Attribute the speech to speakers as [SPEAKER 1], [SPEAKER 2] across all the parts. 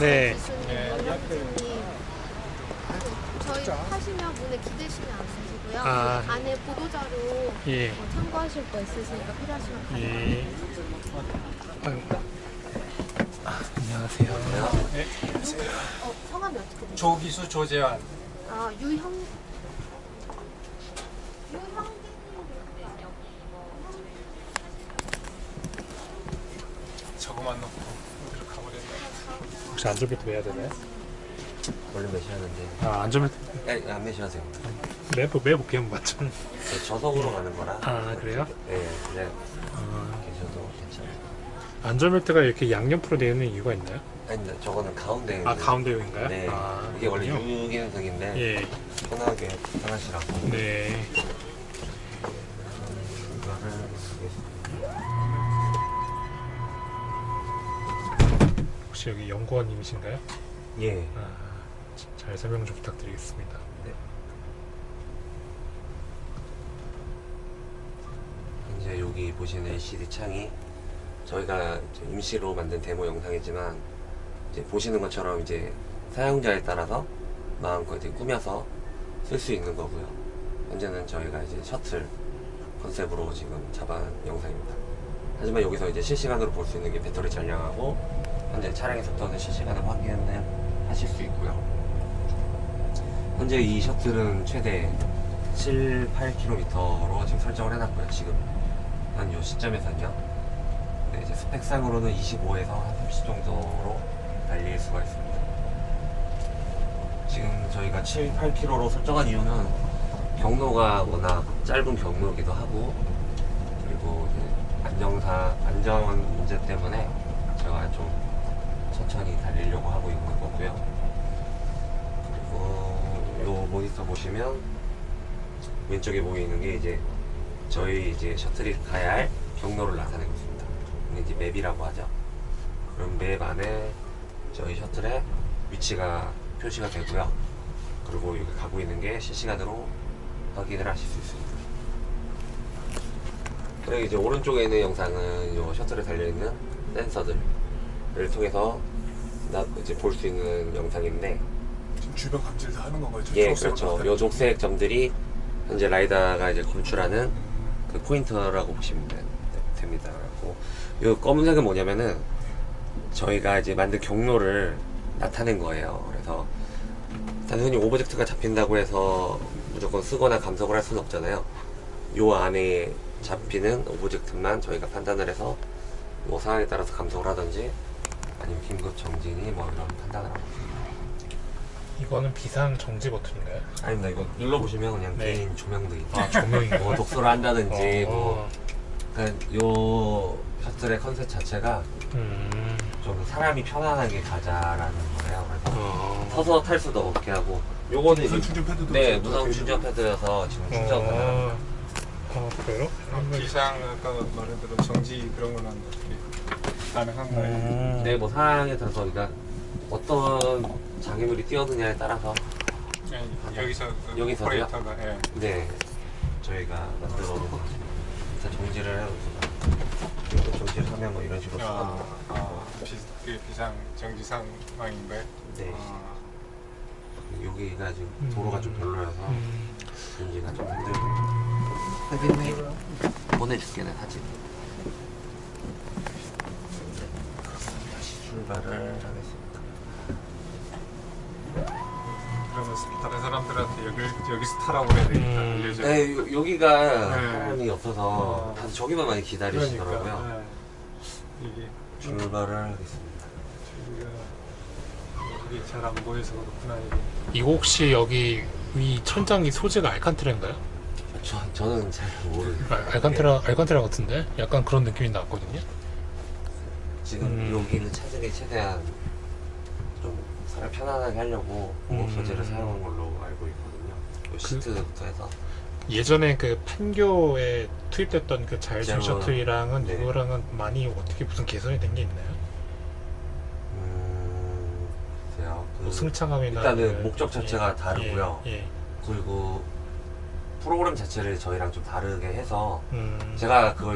[SPEAKER 1] 네.
[SPEAKER 2] 기수님,
[SPEAKER 3] 네,
[SPEAKER 2] 원장님 저희 하시면 문에 기대시면 안 쓰시고요.
[SPEAKER 1] 아.
[SPEAKER 2] 그 안에 보도자료
[SPEAKER 1] 예.
[SPEAKER 2] 참고하실 거 있으시니까 필요하시면 가져가세요.
[SPEAKER 1] 예. 아유. 안녕하세요.
[SPEAKER 3] 네.
[SPEAKER 2] 성함이 어떻게 되세요?
[SPEAKER 3] 조기수 조재환.
[SPEAKER 2] 유형
[SPEAKER 3] 저거만 넣고 어디로 가버렸네.
[SPEAKER 1] 혹시 안전벨트 매야 되나요?
[SPEAKER 4] 원래 매시하는데
[SPEAKER 1] 안전벨트
[SPEAKER 4] 안 매시하세요.
[SPEAKER 1] 매볼게요, 맞죠?
[SPEAKER 4] 저속으로 가는 거라.
[SPEAKER 1] 아, 그래요?
[SPEAKER 4] 네, 그냥 계셔도 괜찮아요.
[SPEAKER 1] 안전벨트가 이렇게 양옆으로 되어 있는 이유가 있나요?
[SPEAKER 4] 아니, 근데 저거는 가운데.
[SPEAKER 1] 가운데용인가요?
[SPEAKER 4] 네,
[SPEAKER 1] 아,
[SPEAKER 4] 이게 원래
[SPEAKER 1] 그렇군요.
[SPEAKER 4] 유기능석인데
[SPEAKER 1] 예.
[SPEAKER 4] 편하게 편하시라고.
[SPEAKER 1] 네.
[SPEAKER 4] 이거를 하겠습니다.
[SPEAKER 1] 혹시 여기 연구원님이신가요?
[SPEAKER 4] 예.
[SPEAKER 1] 잘 설명 좀 부탁드리겠습니다.
[SPEAKER 4] 네. 이제 여기 보시는 LCD 창이 저희가 이제 임시로 만든 데모 영상이지만 이제 보시는 것처럼 이제 사용자에 따라서 마음껏 이제 꾸며서 쓸 수 있는 거고요. 현재는 저희가 이제 셔틀 컨셉으로 지금 잡아낸 영상입니다. 하지만 여기서 이제 실시간으로 볼 수 있는 게 배터리 잔량하고 현재 차량의 속도는 실시간으로 확인을 하실 수 있고요. 현재 이 셔틀은 최대 7, 8km로 지금 설정을 해놨고요. 지금 한 요 시점에서는요. 네, 이제 스펙상으로는 25에서 한 30 정도로 달릴 수가 있습니다. 지금 저희가 7, 8km로 설정한 이유는 경로가 워낙 짧은 경로이기도 하고 그리고 안전 문제 때문에 제가 좀 천천히 달리려고 하고 있는 거고요. 그리고 요 모니터 보시면 왼쪽에 보이는 게 이제 저희 이제 셔틀이 가야 할 경로를 나타내고 있습니다. 이게 이제 맵이라고 하죠. 그럼 맵 안에 저희 셔틀의 위치가 표시가 되고요. 그리고 여기 가고 있는 게 실시간으로 확인을 하실 수 있습니다. 그리고 이제 오른쪽에 있는 영상은 요 셔틀에 달려있는 센서들을 통해서 이제 볼 수 있는 영상인데
[SPEAKER 3] 지금 주변 감지를 다 하는 건가요?
[SPEAKER 4] 예, 그렇죠. 요 녹색 점들이 현재 라이다가 이제 검출하는 그 포인터라고 보시면 됩니다. 그리고 요 검은색은 뭐냐면은 저희가 이제 만든 경로를 나타낸 거예요. 그래서 단순히 오브젝트가 잡힌다고 해서 무조건 쓰거나 감속을 할 수는 없잖아요. 요 안에 잡히는 오브젝트만 저희가 판단을 해서 뭐 상황에 따라서 감속을 하든지 아니면 긴급 정진이 뭐 이런 판단을 하고 있습니다.
[SPEAKER 1] 이거는 비상 정지 버튼인가요?
[SPEAKER 4] 아닙니다. 이거 눌러보시면 그냥
[SPEAKER 1] 네.
[SPEAKER 4] 개인 조명등이
[SPEAKER 1] 조명인가요?
[SPEAKER 4] 뭐 독서를 한다든지 뭐
[SPEAKER 1] 어.
[SPEAKER 4] 그러니까 요 셔틀의 컨셉 자체가
[SPEAKER 1] 음.
[SPEAKER 4] 좀 사람이 편안하게 가자라는 거예요. 그래서 서서 탈 수도 없게 하고 요거는
[SPEAKER 3] 무선
[SPEAKER 4] 이제
[SPEAKER 3] 충전 패드도
[SPEAKER 4] 네,
[SPEAKER 3] 있고
[SPEAKER 4] 무선 충전 패드여서 지금 충전 가능합니다.
[SPEAKER 1] 그래요?
[SPEAKER 3] 비상 아까 말한 대로 정지 그런 거는 어떻게 가능한가요?
[SPEAKER 4] 네, 뭐 상황에 따라서 그러니까 어떤 장애물이 뛰어드냐에 따라서
[SPEAKER 3] 아니, 여기서
[SPEAKER 4] 여기서요?
[SPEAKER 3] 오퍼레이터가 예.
[SPEAKER 4] 네, 저희가 만들어 놓은 일단 정지를 해놓습니다. 정지를 하면 뭐 이런 식으로 쓰거든요.
[SPEAKER 3] 그게 비상 정지 상황인가요?
[SPEAKER 4] 네.
[SPEAKER 3] 아,
[SPEAKER 4] 여기가 지금 도로가 좀 별로여서 정지가 좀 힘들고 보내줄게 내 사진. 다시 출발을 하겠습니다.
[SPEAKER 3] 그러면 다른 사람들한테 여기서 타라고 해야 되니까 알려줘요.
[SPEAKER 4] 네, 여기가
[SPEAKER 3] 네.
[SPEAKER 4] 사람이 없어서 다들 저기만 많이 기다리시더라고요.
[SPEAKER 3] 그러니까, 예. 이게
[SPEAKER 4] 출발을 하겠습니다.
[SPEAKER 3] 이게 잘 안 보여서 그렇구나 이게.
[SPEAKER 1] 이거 혹시 여기 위 천장이 소재가 알칸테라인가요?
[SPEAKER 4] 저는 잘 모르겠어요.
[SPEAKER 1] 알칸테라 같은데? 약간 그런 느낌이 났거든요.
[SPEAKER 4] 지금 여기는 차들이 최대한 좀 사람 편안하게 하려고 공업 소재를 사용한 걸로 알고 있거든요. 요 시트부터 해서
[SPEAKER 1] 예전에 그 판교에 투입됐던 그 자율주행
[SPEAKER 4] 제가-
[SPEAKER 1] 셔틀이랑은
[SPEAKER 4] 네.
[SPEAKER 1] 이거랑은 많이 어떻게 무슨 개선이 된 게 있나요?
[SPEAKER 4] 글쎄요.
[SPEAKER 1] 뭐 승차감이나
[SPEAKER 4] 일단은
[SPEAKER 1] 그-
[SPEAKER 4] 목적 자체가
[SPEAKER 1] 예,
[SPEAKER 4] 다르고요.
[SPEAKER 1] 예.
[SPEAKER 4] 그리고 프로그램 자체를 저희랑 좀 다르게 해서
[SPEAKER 1] 음,
[SPEAKER 4] 제가 그걸 직접 타본 적은 없거든요. 예, 저희가 만들긴 했지만
[SPEAKER 1] 예.
[SPEAKER 4] 일단은 좀 목적 자체가 다르고요. 그리고 프로그램 자체를 저희랑 좀 다르게 해서 제가 그걸 직접 타본 적은 없거든요. 예, 저희가 만들긴 했지만
[SPEAKER 1] 예.
[SPEAKER 4] 일단은 좀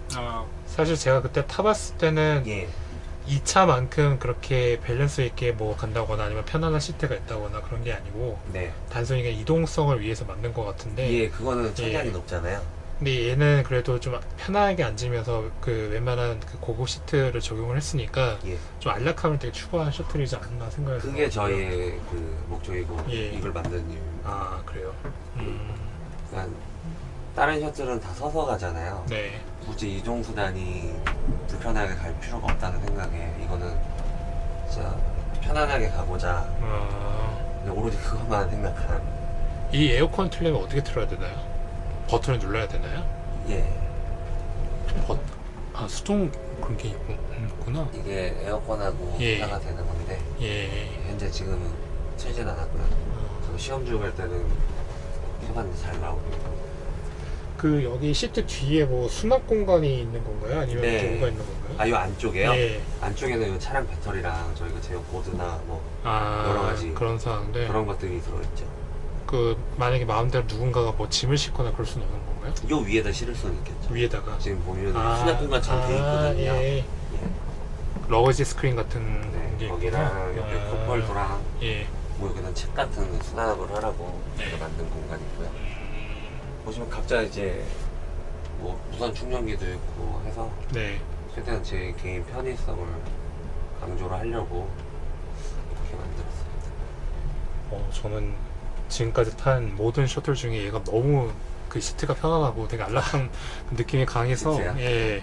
[SPEAKER 3] 아,
[SPEAKER 1] 사실 제가 그때 타봤을 때는
[SPEAKER 4] 예.
[SPEAKER 1] 이 차만큼 그렇게 밸런스 있게 뭐 간다거나 아니면 편안한 시트가 있다거나 그런 게 아니고
[SPEAKER 4] 네.
[SPEAKER 1] 단순히 그냥 이동성을 위해서 만든 것 같은데
[SPEAKER 4] 예, 그거는 천장이
[SPEAKER 1] 예.
[SPEAKER 4] 높잖아요.
[SPEAKER 1] 근데 얘는 그래도 좀 편안하게 앉으면서 그 웬만한 그 고급 시트를 적용을 했으니까
[SPEAKER 4] 예.
[SPEAKER 1] 좀 안락함을 되게 추구한 셔틀이지 않나 생각이
[SPEAKER 4] 그게
[SPEAKER 1] 들어요.
[SPEAKER 4] 저희의 그 목적이고
[SPEAKER 1] 예.
[SPEAKER 4] 이걸 만든 이유.
[SPEAKER 1] 아 그래요?
[SPEAKER 4] 그러니까 다른 셔틀은 다 서서 가잖아요.
[SPEAKER 1] 네.
[SPEAKER 4] 굳이 이동 수단이 불편하게 갈 필요가 없다는 생각에 이거는 진짜 편안하게 가보자. 그냥 오로지 그것만 생각한.
[SPEAKER 1] 이 에어컨 틀려면 어떻게 틀어야 되나요? 버튼을 눌러야 되나요?
[SPEAKER 4] 예.
[SPEAKER 1] 아 수동 그런 게 있구나.
[SPEAKER 4] 이게 에어컨하고
[SPEAKER 1] 예.
[SPEAKER 4] 분사가 되는 건데
[SPEAKER 1] 예.
[SPEAKER 4] 현재 지금은 틀진 않았고요. 저 시험 중 할 때는 해봤는데 잘 나오고.
[SPEAKER 1] 그 여기 시트 뒤에 뭐 수납 공간이 있는 건가요? 아니면
[SPEAKER 4] 네.
[SPEAKER 1] 뭐가 있는 건가요?
[SPEAKER 4] 아, 요 안쪽에요?
[SPEAKER 1] 예.
[SPEAKER 4] 안쪽에는 요 차량 배터리랑 저희가 제어 보드나 뭐
[SPEAKER 1] 아
[SPEAKER 4] 여러 가지
[SPEAKER 1] 그런 상황인데
[SPEAKER 4] 그런 것들이 들어있죠.
[SPEAKER 1] 그 만약에 마음대로 누군가가 뭐 짐을 싣거나 그럴 수는 없는 건가요?
[SPEAKER 4] 요 위에다 실을 수는 있겠죠.
[SPEAKER 1] 위에다가
[SPEAKER 4] 지금 보면 수납 공간처럼 돼 있거든요.
[SPEAKER 1] 예.
[SPEAKER 4] 예.
[SPEAKER 1] 러거지 스크린 같은
[SPEAKER 4] 네,
[SPEAKER 1] 게
[SPEAKER 4] 거기랑
[SPEAKER 1] 있구나.
[SPEAKER 4] 옆에 컵홀더랑
[SPEAKER 1] 예.
[SPEAKER 4] 뭐 여기는 책 같은 수납을 하라고 저희가 만든 공간이고요. 보시면 각자 이제 뭐 무선 충전기도 있고 해서
[SPEAKER 1] 네.
[SPEAKER 4] 최대한 제 개인 편의성을 강조를 하려고 이렇게 만들었습니다.
[SPEAKER 1] 저는 지금까지 탄 모든 셔틀 중에 얘가 너무 그 시트가 편안하고 되게 안락한 느낌이 강해서
[SPEAKER 4] 진짜요?
[SPEAKER 1] 예.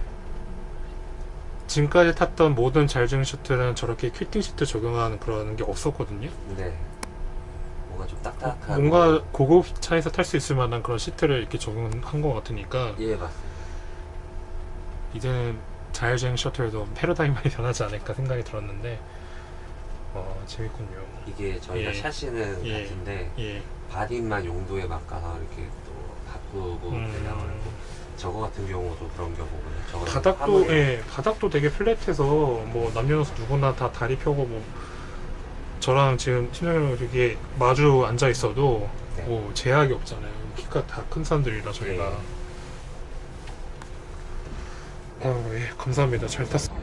[SPEAKER 1] 지금까지 탔던 모든 자율주행 셔틀은 저렇게 퀼팅 시트 적용하는 그런 게 없었거든요.
[SPEAKER 4] 네. 뭔가 좀 딱딱한.
[SPEAKER 1] 뭔가 고급 차에서 탈 수 있을 만한 그런 시트를 이렇게 적용한 것 같으니까
[SPEAKER 4] 예, 맞습니다.
[SPEAKER 1] 이제는 자율주행 셔틀도 패러다임이 많이 변하지 않을까 생각이 들었는데 재밌군요.
[SPEAKER 4] 이게 저희가
[SPEAKER 1] 예.
[SPEAKER 4] 샤시는
[SPEAKER 1] 예.
[SPEAKER 4] 같은데
[SPEAKER 1] 예.
[SPEAKER 4] 바디만 용도에 맞가서 이렇게 또 바꾸고 그래요. 저거 같은 경우도 그런 경우거든요. 저거는
[SPEAKER 1] 바닥도
[SPEAKER 4] 화물이에요.
[SPEAKER 1] 예, 바닥도 되게 플랫해서 뭐 남녀노소 누구나 다 다리 펴고 뭐 저랑 지금 팀장님이랑 이렇게 마주 앉아 있어도
[SPEAKER 4] 네.
[SPEAKER 1] 뭐 제약이 없잖아요. 키가 다 큰 사람들이라 저희가.
[SPEAKER 4] 예.
[SPEAKER 1] 예, 감사합니다. 잘 탔습니다.